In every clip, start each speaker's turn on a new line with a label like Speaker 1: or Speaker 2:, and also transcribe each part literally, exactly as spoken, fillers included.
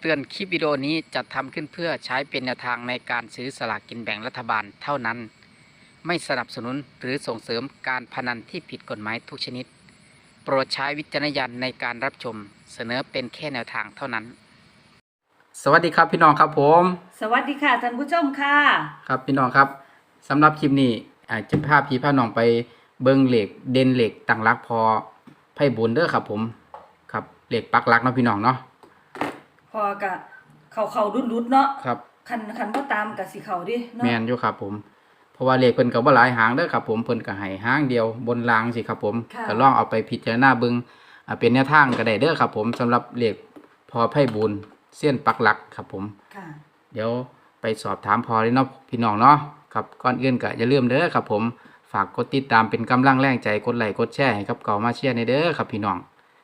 Speaker 1: ตือนคลิปวิดีโอนี้จัดทำขึ้นเพื่อใช้เป็นแนวทางในการซื้อสลากกินแบ่งรัฐบาลเท่านั้นไม่สนับสนุนหรือส่งเสริมการพนันที่ผิดกฎหมายทุกชนิดโปรดใช้วิจารณญาณในการรับชมเสนอเป็นแค่แนวทางเท่านั้นสวัสดีครับพี่น้องครับผม
Speaker 2: สวัสดีค่ะท่านผู้ชมค่ะ
Speaker 1: ครับพี่น้องครับสำหรับคลิปนี้อาจจะพาพี่พาน้องไปเบิ้งเหล็กเด่นเหล็กตั้งรักพอไพ่บุญเด้อครับผมครับเหล็กปักรักเนาะพี่น้องเนาะ
Speaker 2: พอกะเขาเขาดุดดุดเนาะ
Speaker 1: ครับ
Speaker 2: คันคันบ่ตามกะสิเขาดิเนาะ
Speaker 1: แม่นอยู่ครับผมเพราะว่าเลขเพิ่นก็บ่หลายหางเด้อครับผมเพิ่นก็ให้หางเดียวบนรางสิครับผมก็ลองเอาไปพิจารณาเบิ่งอ่าเป็นแนวทางก็ได้เด้อครับผมสำหรับเลขพอไพ่บุญเส้นปักหลักครับผม
Speaker 2: ค่ะ
Speaker 1: เดี๋ยวไปสอบถามพอเลยเนาะพี่น้องเนาะครับก่อนอื่นก็อย่าลืมเด้อครับผมฝากกดติดตามเป็นกำลังแรงใจกดไลค์กดแชร์ให้กับเก่ามาเชียร์ในเด้อครับพี่น้อง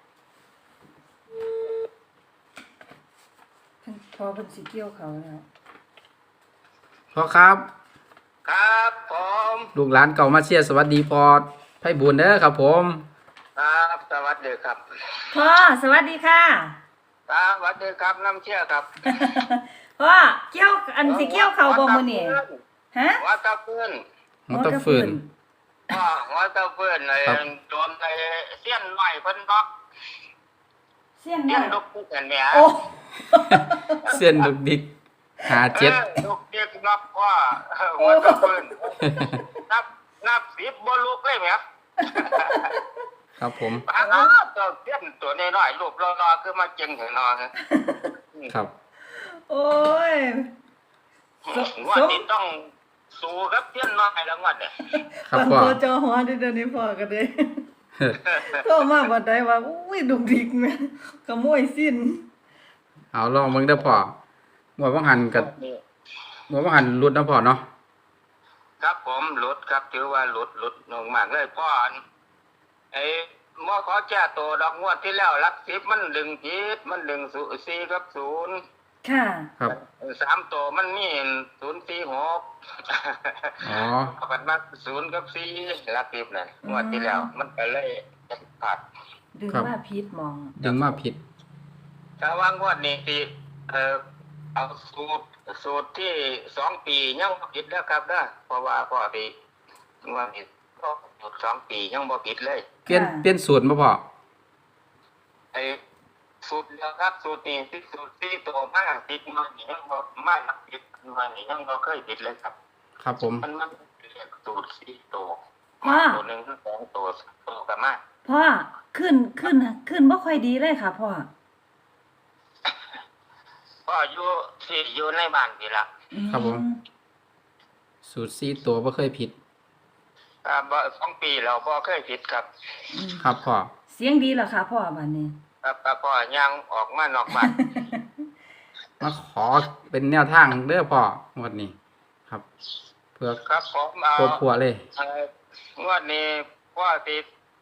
Speaker 2: พอเพิ่นสิเกี่ยวเขาแล้ว
Speaker 1: พอครับ
Speaker 3: ครับผม
Speaker 1: ลูกหลานเก่ามาเชียร์สวัสดีพอไพ่บุญเด้อครับผม
Speaker 3: ครับสวัสดีครับ
Speaker 2: พ่อสวัสดีค่ะ
Speaker 3: ครับสวัสดีครับน้ำเชี่ยครับ
Speaker 2: พ่อเกี่ยวอันสิเกี่ยวเขาบ่มื้อนี้ฮะ
Speaker 3: หัวตะพื้น
Speaker 1: หัวตะฟื้น
Speaker 3: อ๋อหัวตะพื้นไอ้โดนไอ้เสี้ยนหน่อยเพิ่นบอก
Speaker 2: เสี้ยน
Speaker 3: เสี้ยนลูกปุ๊กเห็นไหม
Speaker 2: โอ้
Speaker 1: เส้นลูกดิกหาเจ็ด
Speaker 3: ลูกดิกนับว่าหัวตะพื้นนับนับสิบบ่ลูกเลยไหม
Speaker 1: ครับผม
Speaker 3: อ้าวตัวเสี้ยนตัวน้อยๆรูปรอๆคือมาเจ๋งเห็นนอ
Speaker 1: ครับ
Speaker 2: โอ้ย
Speaker 3: วันนี้ต้องสู้กับเสี้ยนน้อยแล้ววันเนี่ย
Speaker 1: ครับพ่อ
Speaker 2: จอหัวเดี๋ยวนี้พ่อก็ได้ก็มาบ่ได้ว่าอุ้ยดุกดิกแม่ขโมยสิ้น
Speaker 1: เอาลองเบิ่งเด้อพ่อหัวบ่หันกับหัวบ่หันหลุดนะพ่อเนาะ
Speaker 3: ครับผมหลุดครับถือว่าหลุดหลุดลงมากเลยพ่อไอ้หมอขอแก้ตัวดอกงวดที่แล้วหลักสิบมันดึงผิดมันดึงสี่กับศูนย์
Speaker 2: ค่ะ
Speaker 1: ครับ
Speaker 3: สามตัวมันมีศูนย์สี่หก
Speaker 1: อ๋อ
Speaker 3: มันมาศูนย์กับสี่หลักสิบนั่นงวดที่แล้วมันก็เลยขาด
Speaker 2: ดึงมาผิดมอง
Speaker 1: ดึงมาผิด
Speaker 3: ถ้าว่างวดนี้ที่เอ่อเอาสูตรสูตรที่สองปียังบ่ผิดแล้วครับนะเพราะว่าพอดีงวดนี้ก็สูตรสองปียังบ่ผิดเลย
Speaker 1: เปลี่ยนเปลี่ยนสูตรบ่พ่อ
Speaker 3: ไอ้สูตรเดียวครับสูตรนี้ที่สูตรที่ตัวมากผิดมันยังบ่มากผิดมันยังบ่เคยผิดเลยครับ
Speaker 1: ครับผม
Speaker 3: มันมันเรียกสูตรสี่ตัว
Speaker 2: พ่อ
Speaker 3: ตัวนึงสองตัวตัวก็มา
Speaker 2: พ่อขึ้นขึ้นขึ้นบ่ค่อยดีเลยค่ะพ่อ
Speaker 3: พ่ออยู่ที่อยู่ในบ้านนี่ล่ะ
Speaker 1: ครับผมสูตรสี่ตัวบ่เคยผิด
Speaker 3: อ่าบ่สองปีแล้วบ่เคยผิดครับ
Speaker 1: ครับพ่อ
Speaker 2: เสียงดีเหรอคะพ่อบัดนี้
Speaker 3: ครับพ่อย่างออกมานอกบ้าน
Speaker 1: มาขอเป็นแนวทางเด้อพ่องวดนี้ครับเพื่อ
Speaker 3: ครับผมเอา
Speaker 1: ผัวเลย
Speaker 3: งวดนี้พ่อติด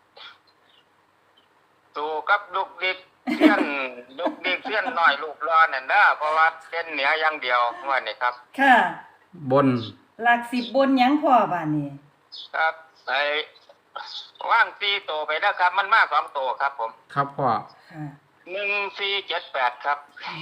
Speaker 3: สู่กับลูกดิกเสี้ยนลูกดิกเสี้ยนน้อยลูกรอนั่นนะเพราะว่าเส้นเหนืออย่างเดียวงวดนี้ครับ
Speaker 2: ค่ะ
Speaker 1: บน
Speaker 2: หลักสิบบนหยังพ่อบัดนี้
Speaker 3: ครับไอ้ว่างสี่โตไปนะครับมันมากสองโตครับผม
Speaker 1: ครับพ่อ
Speaker 3: หนึ่งสี่เจ็ดแปดครับ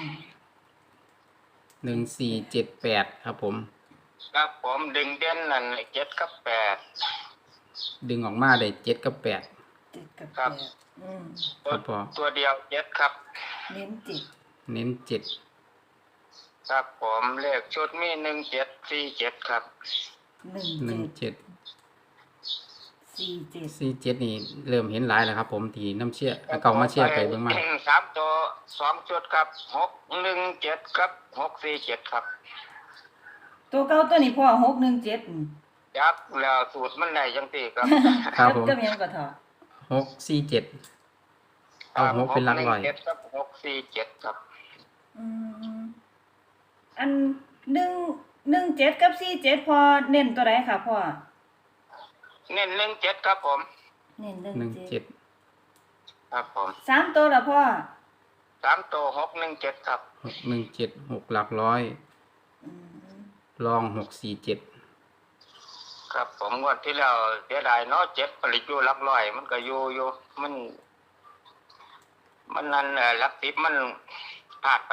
Speaker 1: หนึ่งสี่เจ็ดแปดครับผม
Speaker 3: ครับผมดึงเด่นนั่นเจ็ดกับแปด
Speaker 1: ดึงออกมาได้เจ็ดกับแปด
Speaker 2: เจ็ดกับ
Speaker 3: แปด
Speaker 1: ครับพ่อ
Speaker 3: ตัวเดียวเจ็ดครับ
Speaker 2: เน้นเจ็ด
Speaker 1: เน้นเจ็ด
Speaker 3: ครับผมเลขชุดมีหนึ่งเจ็ดสี่เจ็ดครับ
Speaker 1: หนึ่งเจ็ด
Speaker 2: สี่เจ็ด
Speaker 1: สี่เจ็ดนี่เริ่มเห็นหลายแล้วครับผมที่น้ำเชี่ยเก่ามาเชี่ยไปเบิ่งมา
Speaker 3: สามตัวสองชุดครับหกหนึ่งเจ็ดครับหกสี่เจ็ดครับ
Speaker 2: ตัวเก่าตัวนี้พ่อหกหนึ่งเจ็ด
Speaker 3: ยักแล้วสูตรมันไหนยังตีครับ
Speaker 1: ครับผม
Speaker 2: ก็ยังก็ถอด
Speaker 1: หกสี่เจ็ดเอาหกเป็นหลักร้อย
Speaker 3: ครับหกสี่เจ็ดครับ
Speaker 2: อืมอันหนึ่งหนึ่งเจ็ดกับสี่เจ็ดพอเน้นตัวไหนค่ะพ่อ
Speaker 3: เน้นหนึ่งเจ็ดครับผม
Speaker 2: เน้นหนึ่งเจ็ด
Speaker 3: ครับผม
Speaker 2: สามตัวละพ่อ
Speaker 3: สามตัวหกหนึ่งเจ็ดครับ
Speaker 1: หกหนึ่งเจ็ดหกหลักร้อยลองหกสี่เจ็ด
Speaker 3: ครับผมงวดที่แล้วเสียดายเนาะเจ็ดผลิตอยู่หลักร้อยมันก็อยู่อยู่มันมันนั่นหลักสิบมันพลาดไป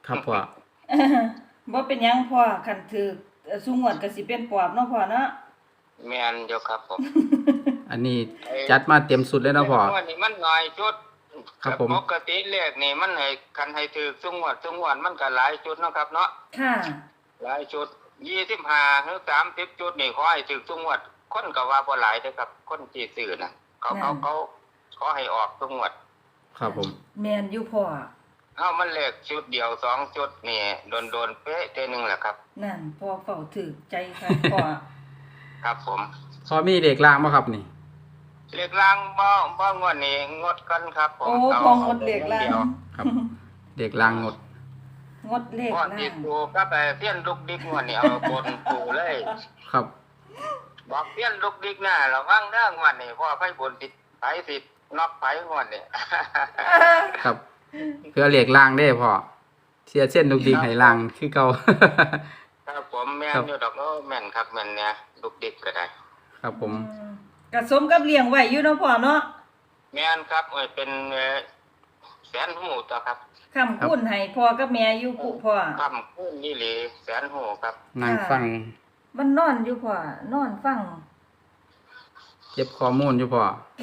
Speaker 1: ครับพ่อ
Speaker 2: บ่เป็นหยังพ่อคันถือเอ่อซุงวดก็สิเป็นปอบเนาะพ่อเนาะ
Speaker 3: แม่นอยู่ครับผม
Speaker 1: อันนี้จัดมาเต็มสุดเลยเนาะพ่อ
Speaker 3: งวดนี้มันน้อยจุด
Speaker 1: ครับผม
Speaker 3: ปกติเลขนี่มันให้คันให้ถือซุงวดซุงวดมันก็หลายจุดเนาะครับเนาะ
Speaker 2: ค่ะ
Speaker 3: หลายจุดยี่สิบห้าหรือสามสิบจุดนี่ขอให้ถือซุงวดคนก็ว่าบ่หลายเด้อครับ คนที่ซื้อน่ะเขาเขาเขาขอให้ออกซุงวด
Speaker 1: ครับผม
Speaker 2: แม่นอยู่พ่อ
Speaker 3: เอ้ามันเลขชุดเดียวสองจุดนี่โดนๆเป๊ะเท่อนึงแหละครับ
Speaker 2: นั่นพ่อเฝ้าถือใจค่ะพ่อ
Speaker 3: ครับผม
Speaker 1: พอมีเด็กล่างบ่ครับนี่
Speaker 3: เลขล่างบ่บ่งวดนี้งดกันครับผม
Speaker 2: โอ้
Speaker 3: า
Speaker 2: พองดเลขล่า
Speaker 3: ดียว
Speaker 2: ง
Speaker 1: ครับ เด็กล่างงด
Speaker 2: งดเลข
Speaker 3: พ่อ
Speaker 2: ล่า
Speaker 3: ติด
Speaker 2: ง
Speaker 3: ปูก็ไปเพี้ยนลูกดิกงวดนี้เอาบนปูเลย
Speaker 1: ครับ
Speaker 3: บอกเพี้ยนลูกดิกหน้าระวังเด้องวดนี้พ่อไปบนติดไผสิน็อกไผงวดนี้
Speaker 1: ครับเพื่อเรียกล่างได้พ่อเสียเส้นลูกดิงให้ล่างคือเก่า
Speaker 3: ครับผมแม่น
Speaker 1: ครับ
Speaker 3: อยู่ดอกโอ้แม่นครับแม่นเนี่ยลูกดิกก็ได้
Speaker 1: ครับผม
Speaker 2: อืมก็สมกับเลี้ยงไว้อยู่เนาะพ่อเนาะ
Speaker 3: แม่นครับเอ้ยเป็นเอ่อแสนหูต่อครับ
Speaker 2: คำคุณให้พ่อกับแม่อยู่ปุพ่อ
Speaker 3: คำคูณนี่หลีแสนหูครับ
Speaker 1: นั่งฟัง
Speaker 2: มันนอนอยู่พ่อนอนฟัง
Speaker 1: เก็บข้อมูลอยู่พ่อ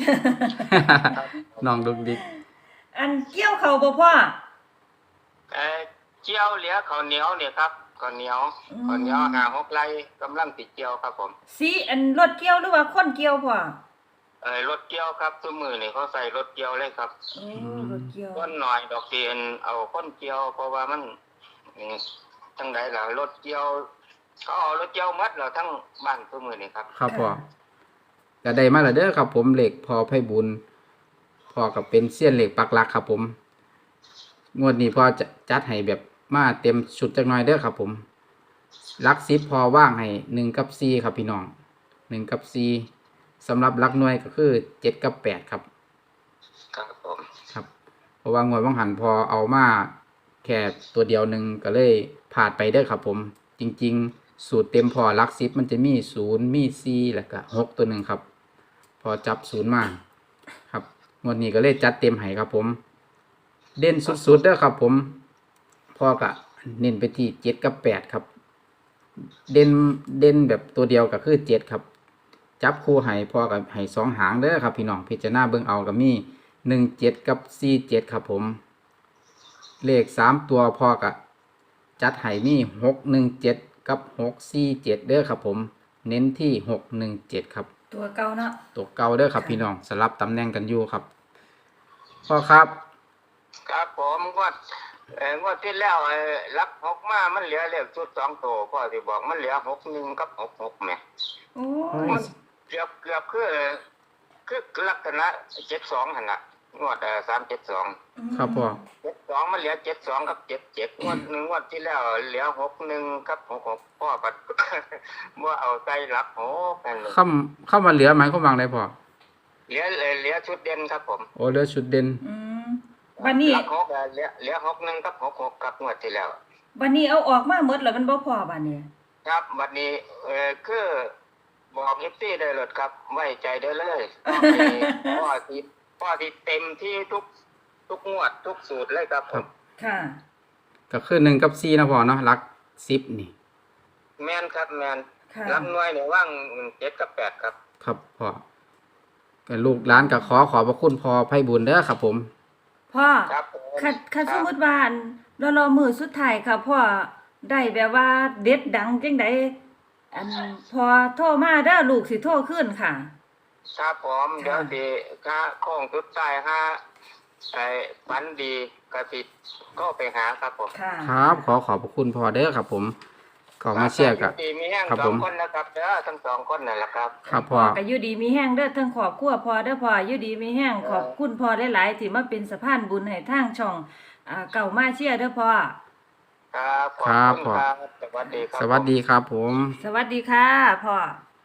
Speaker 1: น้องลูกดิก
Speaker 2: อันเกี่ยวเขาบ่พ่อ
Speaker 3: เอ่อเจียวเหลือข้าวเหนียวเนี่ยครับข้าวเหนียว
Speaker 2: อืม
Speaker 3: ข้าวเหนียวหาหกไร่กำลังติดเจียวครับผม
Speaker 2: สีอันรถเกี่ยวหรือว่าคนเกี่ยวพ่อ
Speaker 3: เอ่อรถเกี่ยวครับทุกมือนี่เขาใส่รถเกี่ยวเลยครับ
Speaker 2: โอ้รถเกี่ยว
Speaker 3: ต้นหน่อยดอกเตียนเอาคนเกี่ยว เพราะว่ามันอืมทั้งใดล่ะรถเกี่ยวเขาเอารถเกี่ยวหมัดเราทั้งบ้านทุกมือนี่ครับ
Speaker 1: ครับพ่อก็ได้มาแล้วเด้อครับผมเหล็กพอไพ่บุญพ่อกับเป็นเสี้ยนเหล็กปักหลักครับผม งวดนี้พ่อจะจัดให้แบบมาเต็มชุดจักหน่อยเด้อครับผมหลักสิบพอว่างให้หนึ่งกับสี่ครับพี่น้องหนึ่งกับสี่สำหรับหลักหน่วยก็คือเจ็ดกับแปดครับ
Speaker 3: ครับผม
Speaker 1: ครับเพราะว่างวดว่างหันพอเอามาแค่ตัวเดียวหนึ่งก็เลยผ่านไปเด้อครับผม จริงๆ สูตรเต็มพอหลักสิบมันจะมีศูนย์มีสี่แล้วก็หกตัวหนึ่งครับ พอจับศูนย์มาครับงวดนี้ก็เลยจัดเต็มให้ครับผม เด่นสุดๆเด้อครับผมพอก็เน้นไปที่เจ็ดกับแปดครับ เด่นเด่นแบบตัวเดียวก็คือเจ็ดครับ จับคู่ให้พอกับให้สองหางเด้อครับพี่น้องพิจารณาเบิ่งเอาก็มีหนึ่งเจ็ดกับสี่เจ็ดครับผม เลขสามตัวพอกับจัดให้มีหกหนึ่งเจ็ดกับหกสี่เจ็ดเด้อครับผม เน้นที่หกหนึ่งเจ็ดครับ
Speaker 2: ตัวเก่าเนาะ
Speaker 1: ตัวเก่าเด้อครับพี่น้องสลับตำแหน่งกันอยู่ครับพ่อครับ
Speaker 3: ครับผมงวดเอ่องวดที่แล้วเอ่อรับหกมามันเหลือเลขชุดสองตัวพ่อที่บอกมันเหลือหกหนึ่งกับหกหกแหม่
Speaker 2: โอ้
Speaker 3: มันเกือบเกือบคือคือลักษณะเจ็ดสองหันละงวดเอ่อสามเจ็ดสอง
Speaker 1: ครับพ่อ
Speaker 3: เจ็ดสองมันเหลือเจ็ดสองกับเจ็ดเจ็ดงวดหนึ่งงวดที่แล้วเหลือหกหนึ่งกับหกหกพ่อปัด เมื่อเอาใจรับหกกันเลย
Speaker 1: เข้าเข้ามาเหลือไหมเข้าวางได้พ่อ
Speaker 3: เหลือเหลือชุดเด่นครับผม
Speaker 1: โอ้เหลือชุดเด่น
Speaker 2: อืมบัดนี้
Speaker 3: รับหกเอ่อเหลือเหลือหกหนึ่งกับหกหกกับงวดที่แล้ว
Speaker 2: บัดนี้เอาออกมาหมดแล้วมันบ่พอบัดนี้
Speaker 3: ครับวันนี้เออคือบอกเอฟซีได้เลยครับ ไว้ใจได้เลยพ่อที่พ่อที่เต็มที่ทุกทุกงวดทุกสูตรเลยครับผม
Speaker 2: ค่ะ
Speaker 1: ก็คือหนึ่งกับสี่นะพ่อเนาะหลักสิบนี่
Speaker 3: แมนครับแมน
Speaker 2: ค่ะ
Speaker 3: รับหน่วยเนี่ยว่างเจ็ดกับแปดครับ
Speaker 1: ครับพ่อก็ลูกร้านก็ขอขอบพระคุณพ่อไพบุญเด้อครับผม
Speaker 2: พ่อ
Speaker 3: ครับผม
Speaker 2: คันคัน
Speaker 3: ค
Speaker 2: ส
Speaker 3: รั
Speaker 2: ม
Speaker 3: บ
Speaker 2: มุติว่าอันรอรอมือสุดท้ายค่ะพ่อได้แบบว่าเด็ดดังจังไดอันพอโทรมาเด้อลูกสิโทรขึ้นค่ะ
Speaker 3: ครับผมเดี๋ยวสิค่าโค้งสุดท้ายห้าไอ้ฝันดีกระติดก็ไปหาครับผม
Speaker 2: ค่ะ
Speaker 1: ครับขอขอบพระคุณพ่อเด้อครับผมก็มาเชียร์กับ
Speaker 3: ดีมีแห้ง
Speaker 1: ครับ
Speaker 3: ส
Speaker 1: ผ
Speaker 3: อง
Speaker 1: ม
Speaker 3: คนนะครับเด้อทั้งสองคนนั่นแหละครับ
Speaker 1: ครับพ่อ
Speaker 2: ก็อยู่ดีมีแห้งเด้อทั้งครอบครัวพ่อเด้อพ่ออยู่ดีมีแห้งขอบคุณพ่อหลายๆที่มาเป็นสะพานบุญให้ทางช่องอ่าเก่ามาเชียร์เด้อพ่อ
Speaker 3: ครับขอบ
Speaker 1: ครับ
Speaker 3: คุณ
Speaker 1: พ่อ
Speaker 3: ครับสวัสดีครับ
Speaker 1: สวัสดีครับผม
Speaker 2: สวัสดีค่ะพ่อ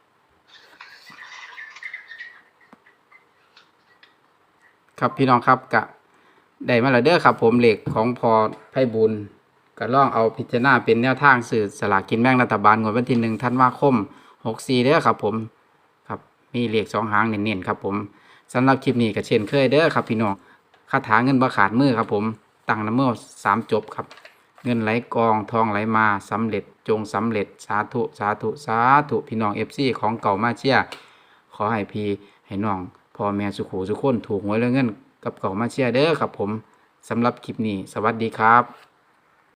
Speaker 1: ครับพี่น้องครับกะได้มาแล้วเด้อครับผมเหล็กของพอไพบุญก็ลองเอาพิจารณาเป็นแนวทางสื่อสลากกินแบ่งรัฐบาลงวดวันที่หนึ่งธันวาคมหกสี่เด้อครับผมครับมีเหล็กสองหางเน้นๆครับผมสำหรับคลิปนี้ก็เช่นเคยเด้อครับพี่น้องคาถาเงินบ่ขาดมือครับผมตั้งน้ำเมื่อสามจบครับเงินไหลกองทองไหลมาสำเร็จจงสำเร็จสาธุสาธุสาธุพี่น้อง เอฟ ซี ของเก่ามาเชียร์ขอให้พี่ให้น้องพ่อแม่สุขูสุขคนถูกหวยและเงินกับเก่ามาเชียร์เด้อครับผมสำหรับคลิปนี้สวัสดีครับ